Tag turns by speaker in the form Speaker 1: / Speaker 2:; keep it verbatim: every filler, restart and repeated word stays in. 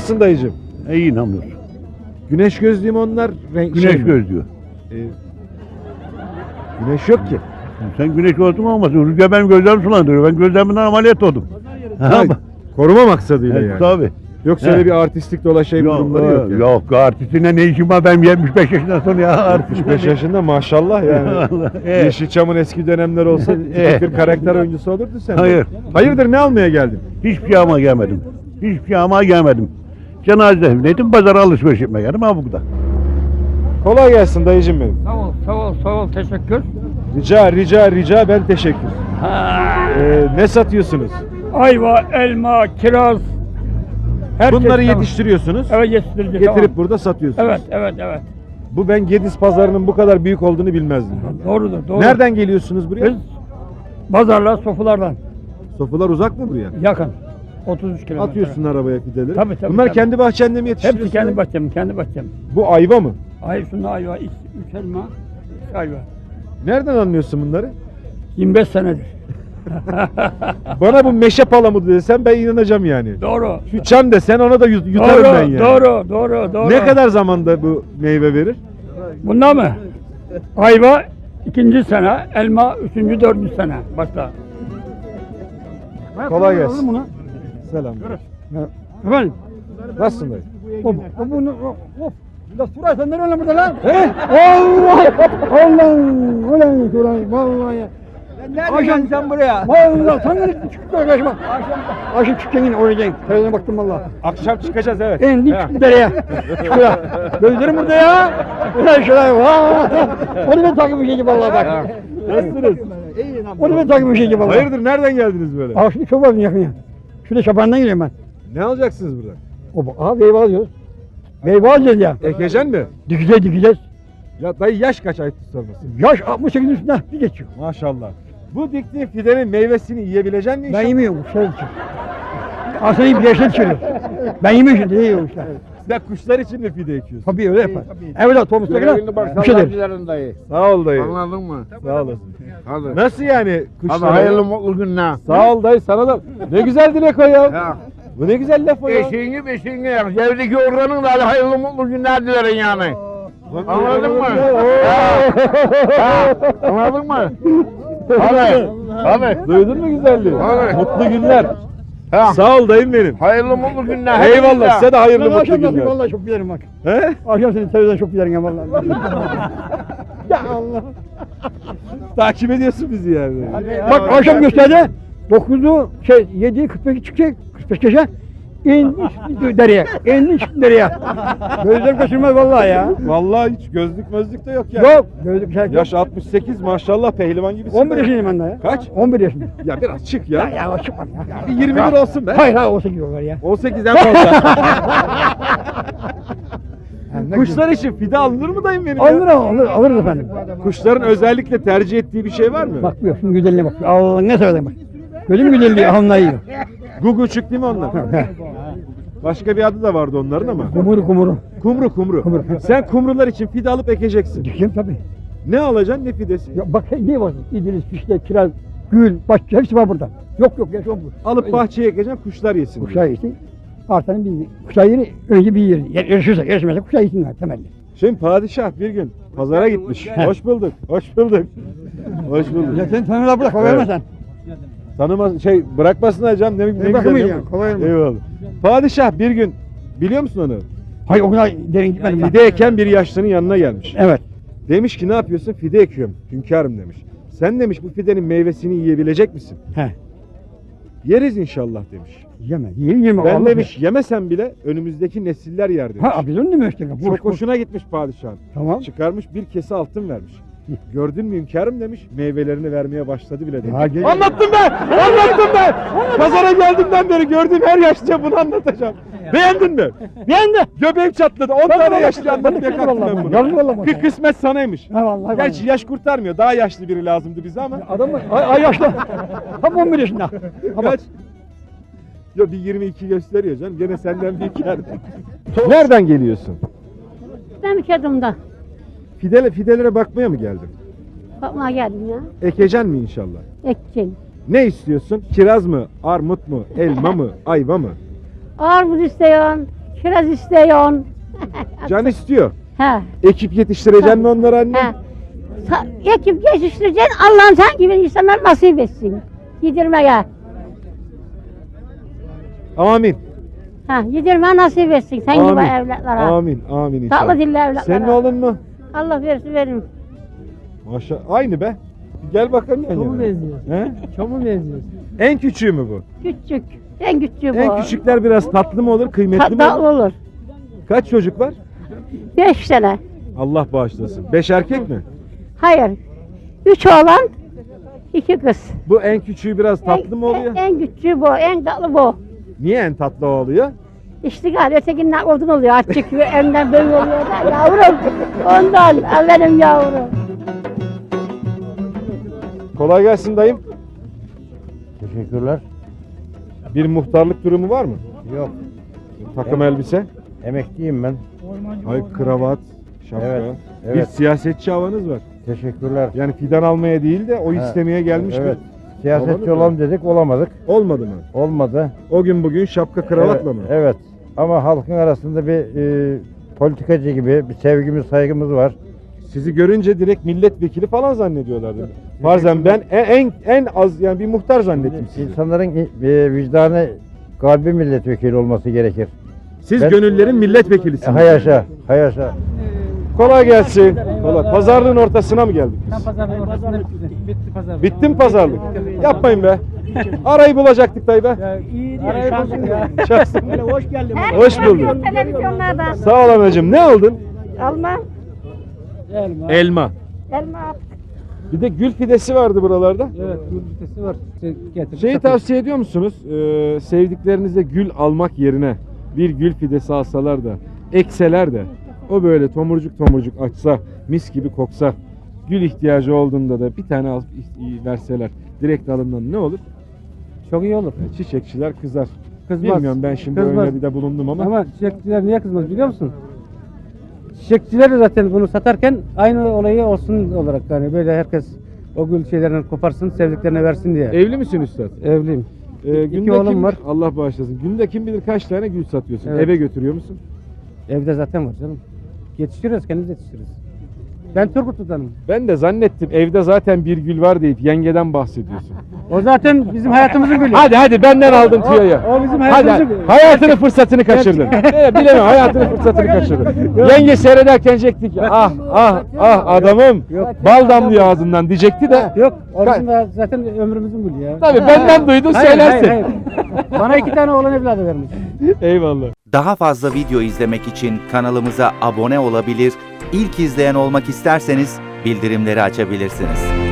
Speaker 1: Nasılsın dayıcım?
Speaker 2: İyi hamdolsun.
Speaker 1: Güneş gözlüğü mü onlar? Renk,
Speaker 2: Güneş
Speaker 1: şey mi?
Speaker 2: gözlüyor.
Speaker 1: Ee, güneş yok ki.
Speaker 2: Sen güneş olsun olmasın. Rüzgar benim gözlerimi sulandırıyor. Ben gözlerimden ameliyat oldum.
Speaker 1: Ha, koruma maksadıyla
Speaker 2: Evet,
Speaker 1: yani.
Speaker 2: tabii.
Speaker 1: Yoksa öyle
Speaker 2: He.
Speaker 1: bir artistlik dolaşayım
Speaker 2: Yok,
Speaker 1: durumları yok.
Speaker 2: yok,
Speaker 1: yani.
Speaker 2: yok. Artistine ne işim var? Ben yetmiş beş yaşından sonra ya.
Speaker 1: altmış beş yaşında maşallah yani.
Speaker 2: Vallahi, evet.
Speaker 1: Yeşilçam'ın eski dönemler olsa
Speaker 2: Evet.
Speaker 1: bir karakter oyuncusu olurdu sen. de.
Speaker 2: Hayır.
Speaker 1: Hayırdır ne almaya geldin?
Speaker 2: Hiçbir şey almaya gelmedim. Hiçbir şey almaya gelmedim. Cenazedeydim. Pazara alışveriş yapmaya geldim. Ha burada.
Speaker 1: Kolay gelsin dayıcım benim.
Speaker 3: Sağ ol, sağ ol, sağ ol. Teşekkür.
Speaker 1: Rica rica rica ben teşekkür.
Speaker 3: Ha.
Speaker 1: Ee, ne satıyorsunuz?
Speaker 3: Ayva, elma, kiraz. Her
Speaker 1: Bunları
Speaker 3: çeşit-
Speaker 1: yetiştiriyorsunuz.
Speaker 3: Evet, yetiştireceğiz.
Speaker 1: Getirip
Speaker 3: tamam.
Speaker 1: burada satıyorsunuz.
Speaker 3: Evet, evet, evet.
Speaker 1: Bu ben Gediz pazarının bu kadar büyük olduğunu bilmezdim.
Speaker 3: Doğrudur, doğru.
Speaker 1: Nereden geliyorsunuz buraya?
Speaker 3: Biz pazarlar, sofulardan
Speaker 1: Sofular uzak mı buraya?
Speaker 3: yakın. otuz üç kilometre.
Speaker 1: Atıyorsun arabaya fideleri.
Speaker 3: Tabii, tabii,
Speaker 1: Bunlar
Speaker 3: tabii.
Speaker 1: kendi bahçende mi yetiştiriyorsun?
Speaker 3: Hepsi kendi bahçem, kendi bahçem.
Speaker 1: Bu ayva mı?
Speaker 3: Ay şunda ayva, üç, üç elma, üç ayva.
Speaker 1: Nereden anlıyorsun bunları?
Speaker 3: yirmi beş senedir.
Speaker 1: Bana bu meşe palamudu desen ben inanacağım yani.
Speaker 3: Doğru.
Speaker 1: Şu çam desen ona da yut- yutarım
Speaker 3: doğru,
Speaker 1: ben yani.
Speaker 3: Doğru, doğru, doğru.
Speaker 1: Ne kadar zamanda bu meyve verir?
Speaker 3: Bunda mı? Ayva ikinci sene, elma üçüncü, dördüncü sene. Başla.
Speaker 1: Kolay gelsin.
Speaker 3: Bunu.
Speaker 1: Selam.
Speaker 3: Efendim?
Speaker 1: Nasılsın dayı?
Speaker 3: Hop, hop, bunu, hop, hop. La Suray sen nereye lan burada lan? He? Allah! Allah! Ulan Suray, vallahi. Nereden sen buraya? Vallahi sen nereye çıktın kardeşim? Akşam, akşam çıkacaksın yine oracaksın. Televizyona baktım vallahi.
Speaker 1: Akşam çıkacağız evet.
Speaker 3: En
Speaker 1: He.
Speaker 3: çıktı dereye. Şuraya. Gözlerim burada ya. Ulan şuraya. Vaa! Onu ben takip bir şey gibi vallahi bak.
Speaker 1: Nasılsınız?
Speaker 3: Onu ben takip bir şey gibi vallahi.
Speaker 1: Hayırdır nereden geldiniz böyle?
Speaker 3: Aa şimdi çok var yakın ya. Şurada şabandan geliyorum ben.
Speaker 1: Ne alacaksınız buradan?
Speaker 3: O bak, aha meyve alıyoruz. Meyve alacağız ya.
Speaker 1: Ekecen mi?
Speaker 3: Dikeceğiz dikeceğiz.
Speaker 1: Ya dayı yaş kaç ayıp sormasın?
Speaker 3: Yaş altmış sekizin üstüne bir geçiyor.
Speaker 1: Maşallah. Bu diktiğin fidenin meyvesini yiyebilecek misin?
Speaker 3: Ben yemiyorum kuşlar için. Aslında bir yaşlı içiyorum. Ben yemiyorum şimdi, ne yiyorum işte.
Speaker 1: Sen kuşlar için mi fide ekiyorsun?
Speaker 3: Tabii öyle yapar. Evlat Thomas'ta
Speaker 4: Görevini bak
Speaker 3: bir şey deriz.
Speaker 4: sallar dayı.
Speaker 1: Sağ ol dayı.
Speaker 4: Anladın mı?
Speaker 1: Sağ olasın.
Speaker 4: Hadi.
Speaker 1: Nasıl yani
Speaker 4: Hadi
Speaker 1: kuşlar?
Speaker 4: hayırlı mutlu günler.
Speaker 1: Sağ ol dayı sana da. Ne güzel dilek o ya.
Speaker 4: Ya.
Speaker 1: Bu ne güzel laf o ya.
Speaker 4: Beşiğini beşiğini yak. Evdeki organın da hadi hayırlı mutlu günler dilerim yani. Anladın mı? Ha. Ha. Anladın mı? Hadi. Hadi.
Speaker 1: Duydun mu güzelliği?
Speaker 4: Hadi.
Speaker 1: Mutlu günler.
Speaker 4: Ha.
Speaker 1: Sağ ol dayım benim.
Speaker 4: Hayırlı mutlu günler.
Speaker 1: Eyvallah size de
Speaker 3: Ben
Speaker 1: hayırlı mutlu
Speaker 3: akşam
Speaker 1: günler.
Speaker 3: vallahi çok bilirim bak.
Speaker 1: He?
Speaker 3: Akşam seni televizyonda çok bilirim ya vallahi. Ya Allah.
Speaker 1: Takip ediyorsun bizi yani.
Speaker 3: Bak akşam gösterdi. dokuzu şey yediyi kırk beşi çıkacak. kırk beş geçe. İnmiş dereye. İnmiş dereye. Gözler kaçırmaz vallahi ya.
Speaker 1: Vallahi hiç gözlük mözlük de yok yani.
Speaker 3: Yok. Gözlük şey yok.
Speaker 1: Yaş altmış sekiz maşallah pehlivan gibisin.
Speaker 3: on bir
Speaker 1: be.
Speaker 3: yaşındayım ben daha ya.
Speaker 1: Kaç?
Speaker 3: on bir yaşındayım.
Speaker 1: Ya biraz çık ya.
Speaker 3: Ya ya o çıkmaz ya.
Speaker 1: Bir yirmi bir olsun be.
Speaker 3: Hayır hayır o sekiz olur ya.
Speaker 1: on sekizden fazla. Kuşlar için fide alınır mı dayım benim
Speaker 3: Alır
Speaker 1: ya?
Speaker 3: ama alır, alırız efendim.
Speaker 1: Kuşların özellikle tercih ettiği bir şey var mı?
Speaker 3: Bak buyur şunun güzelliğine bak. Allah'ın ne seversen bak. Gözüm güzelliği alnına yiyor.
Speaker 1: Guguçuk değil mi onlar? Başka bir adı da vardı onların ama.
Speaker 3: Kumuru kumuru.
Speaker 1: Kumru kumru.
Speaker 3: Kumru.
Speaker 1: Sen kumrular için fide alıp ekeceksin.
Speaker 3: Dikeyim tabii.
Speaker 1: Ne alacaksın ne fidesi?
Speaker 3: Ya bak ne var? İdris, fişte, kiraz, gül, bahçe hepsi var burada. Yok yok ya şu bu.
Speaker 1: Alıp bahçeye ekeceksin kuşlar yesin.
Speaker 3: Kuşlar yesin. Artanın bir kuşlar yeri önce bir yer. Yer yarışırsa yarışmazsa kuşlar yesinler temelli.
Speaker 1: Şimdi padişah bir gün pazara gitmiş. Hoş bulduk. Hoş bulduk. Hoş bulduk.
Speaker 3: Ya sen tanrılar bırak,
Speaker 1: Evet.
Speaker 3: evet. sen.
Speaker 1: Tanımaz şey bırakmasınlar canım ne, ne güzel.
Speaker 3: bırakmayın
Speaker 1: değil
Speaker 3: ya,
Speaker 1: mi?
Speaker 3: kolay mı?
Speaker 1: Eyvallah. Padişah bir gün biliyor musun onu?
Speaker 3: Hayır o kadar derin gitmedim ben.
Speaker 1: Fide eken bir yaşlının yanına gelmiş.
Speaker 3: Evet.
Speaker 1: Demiş ki ne yapıyorsun? Fide ekiyorum. Hünkârım demiş. Sen demiş bu fidenin meyvesini yiyebilecek misin?
Speaker 3: He.
Speaker 1: Yeriz inşallah demiş.
Speaker 3: Yeme. Yiyin yeme.
Speaker 1: Ben
Speaker 3: Allah
Speaker 1: demiş yemesen bile önümüzdeki nesiller yer demiş.
Speaker 3: Ha biz onu demiştik.
Speaker 1: Çok hoşuna gitmiş padişahın.
Speaker 3: Tamam.
Speaker 1: Çıkarmış bir kese altın vermiş. Gördün mü hünkârım demiş. Meyvelerini vermeye başladı bile demiş.
Speaker 3: Ya gel-
Speaker 1: Anlattım ben! Anlattım ben! Pazara geldiğimden beri gördüğüm her yaşlıya bunu anlatacağım. Beğendin mi?
Speaker 3: Beğendi.
Speaker 1: Göbeğim çatladı. on
Speaker 3: Ben
Speaker 1: tane
Speaker 3: vallahi-
Speaker 1: yaşlı anlatmaya
Speaker 3: ben
Speaker 1: kalktım
Speaker 3: vallahi-
Speaker 1: ben bunu.
Speaker 3: Yazık vallahi bana.
Speaker 1: Kı- Kısmet sanaymış.
Speaker 3: Ha vallahi.
Speaker 1: Gerçi yaş kurtarmıyor. Daha yaşlı biri lazımdı bize ama.
Speaker 3: Adam mı? Ay, ay yaşlı. Tam on bir yaşında. Ha bak.
Speaker 1: Kaç? Yo bir yirmi iki gösteriyor canım. Gene senden bir iki yer. Nereden geliyorsun?
Speaker 5: Ben bir kedimden
Speaker 1: Fidele, fidelere bakmaya mı geldin?
Speaker 5: bakmaya geldim ya.
Speaker 1: Ekeceksin mi inşallah?
Speaker 5: Ekeceğim.
Speaker 1: Ne istiyorsun? Kiraz mı? Armut mu? Elma mı? Ayva mı?
Speaker 5: Armut isteyen, Kiraz istiyorsun.
Speaker 1: Can istiyor.
Speaker 5: He.
Speaker 1: Ekip yetiştireceksin mi onları anne?
Speaker 5: He. Sa- ekip geçiştireceksin. Allah'ım sen gibi insanlar nasip etsin. Yedirmeye.
Speaker 1: Amin.
Speaker 5: Ha, yedirmeye nasip etsin sen gibi evlatlara.
Speaker 1: Amin. Amin inşallah.
Speaker 5: Tatlı dilli evlatlara.
Speaker 1: Senin oğlun mu?
Speaker 5: Allah versin verin.
Speaker 1: Maşallah. Aynı be. Bir gel bakalım yan
Speaker 3: Çomu
Speaker 1: yana.
Speaker 3: benziyor.
Speaker 1: He?
Speaker 3: Çomu benziyor.
Speaker 1: En küçüğü mü bu?
Speaker 5: Küçük. En küçüğü bu.
Speaker 1: En küçükler biraz tatlı mı olur, kıymetli mi
Speaker 5: Tatlı
Speaker 1: olur?
Speaker 5: olur.
Speaker 1: Kaç çocuk var?
Speaker 5: Beş tane.
Speaker 1: Allah bağışlasın. Beş erkek mi?
Speaker 5: Hayır. Üç oğlan, iki kız.
Speaker 1: Bu en küçüğü biraz tatlı
Speaker 5: en,
Speaker 1: mı oluyor?
Speaker 5: En, en küçüğü bu, en tatlı bu.
Speaker 1: Niye en tatlı o oluyor?
Speaker 5: İştigal, ötekinden odun oluyor. Açık ve önden böyle oluyor da yavrum. Ondan, al benim yavrum.
Speaker 1: Kolay gelsin dayım.
Speaker 2: Teşekkürler.
Speaker 1: Bir muhtarlık durumu var mı?
Speaker 2: Yok.
Speaker 1: Takım elbise,
Speaker 2: Emekliyim ben.
Speaker 1: ay kravat, şapka.
Speaker 2: Evet,
Speaker 1: Bir
Speaker 2: evet.
Speaker 1: siyasetçi havanız var.
Speaker 2: Teşekkürler.
Speaker 1: Yani fidan almaya değil de oy
Speaker 2: Ha,
Speaker 1: istemeye gelmiş
Speaker 2: Evet.
Speaker 1: bir.
Speaker 2: Siyasetçi
Speaker 1: Olmadı mı?
Speaker 2: olalım dedik, olamadık.
Speaker 1: Olmadı mı?
Speaker 2: Olmadı.
Speaker 1: O gün bugün şapka kravatla
Speaker 2: evet,
Speaker 1: mı?
Speaker 2: Evet. Ama halkın arasında bir e, politikacı gibi bir sevgimiz, saygımız var.
Speaker 1: Sizi görünce direkt milletvekili falan zannediyorlardı. Farzen ben en, en en az yani bir muhtar zannettim sizi.
Speaker 2: İnsanların e, vicdanı, kalbi milletvekili olması gerekir.
Speaker 1: Siz
Speaker 2: Ben-
Speaker 1: gönüllerin
Speaker 2: E,
Speaker 1: milletvekilisiniz.
Speaker 2: hayaşa, hayaşa.
Speaker 1: Kolay gelsin. Kolay. Pazarlığın ortasına mı geldik biz?
Speaker 3: Pazarın ortasında bitti. Bitti pazar.
Speaker 1: Bitti mi pazarlık? Yapmayın be. Arayı bulacaktık dayı be.
Speaker 3: İyi diye şansın ya.
Speaker 1: Şahsen.
Speaker 3: Hoş geldin.
Speaker 1: Hoş bulduk.
Speaker 5: Televizyonlarda.
Speaker 1: Sağ ol anacığım. Ne aldın?
Speaker 5: Alma.
Speaker 3: Elma.
Speaker 1: Elma.
Speaker 5: Elma.
Speaker 1: Bir de gül fidesi vardı buralarda.
Speaker 3: Evet, gül vitesi var. Şey, getir.
Speaker 1: Şeyi
Speaker 3: satın.
Speaker 1: tavsiye ediyor musunuz? Ee, sevdiklerinize gül almak yerine bir gül fidesi alsalar da ekseler de o böyle tomurcuk tomurcuk açsa, mis gibi koksa, gül ihtiyacı olduğunda da bir tane alıp i- verseler direkt alımdan ne olur?
Speaker 3: Çok iyi olur.
Speaker 1: Çiçekçiler kızar.
Speaker 3: Kızmaz.
Speaker 1: Bilmiyorum, ben şimdi
Speaker 3: Kızmaz.
Speaker 1: öyle bir de bulundum ama.
Speaker 3: Ama çiçekçiler niye kızmaz biliyor musun? Çiçekçiler de zaten bunu satarken aynı olayı olsun olarak yani böyle herkes o gül şeylerini koparsın, sevdiklerine versin diye.
Speaker 1: Evli misin üstad?
Speaker 3: Evliyim.
Speaker 1: Ee,
Speaker 3: İki
Speaker 1: günde
Speaker 3: oğlum
Speaker 1: kim,
Speaker 3: var.
Speaker 1: Allah bağışlasın. Günde kim bilir kaç tane gül satıyorsun?
Speaker 3: Evet.
Speaker 1: Eve götürüyor musun?
Speaker 3: Evde zaten var canım. Yetiştiriyoruz, kendimiz yetiştiriyoruz. Ben Turgutlu'danım.
Speaker 1: Ben de zannettim evde zaten bir gül var deyip yengeden bahsediyorsun.
Speaker 3: O zaten bizim hayatımızın gülü.
Speaker 1: Hadi hadi benden aldın
Speaker 3: O-
Speaker 1: tüyoyu.
Speaker 3: o bizim
Speaker 1: Hadi,
Speaker 3: hayatımızın
Speaker 1: hadi.
Speaker 3: gülü.
Speaker 1: Hayatını fırsatını kaçırdın. Evet, bilemem, hayatını fırsatını kaçırdın. Yenge seyrederken diyecekti ki ah ah ah adamım
Speaker 3: Yok.
Speaker 1: bal damlıyor ağzından diyecekti de.
Speaker 3: Yok, o bizim de zaten ömrümüzün gülü ya.
Speaker 1: Tabii benden duydun
Speaker 3: Hayır,
Speaker 1: söylersin.
Speaker 3: hayır, hayır. Bana iki tane oğlan evladı vermiş.
Speaker 1: Eyvallah.
Speaker 6: Daha fazla video izlemek için kanalımıza abone olabilir, ilk izleyen olmak isterseniz bildirimleri açabilirsiniz.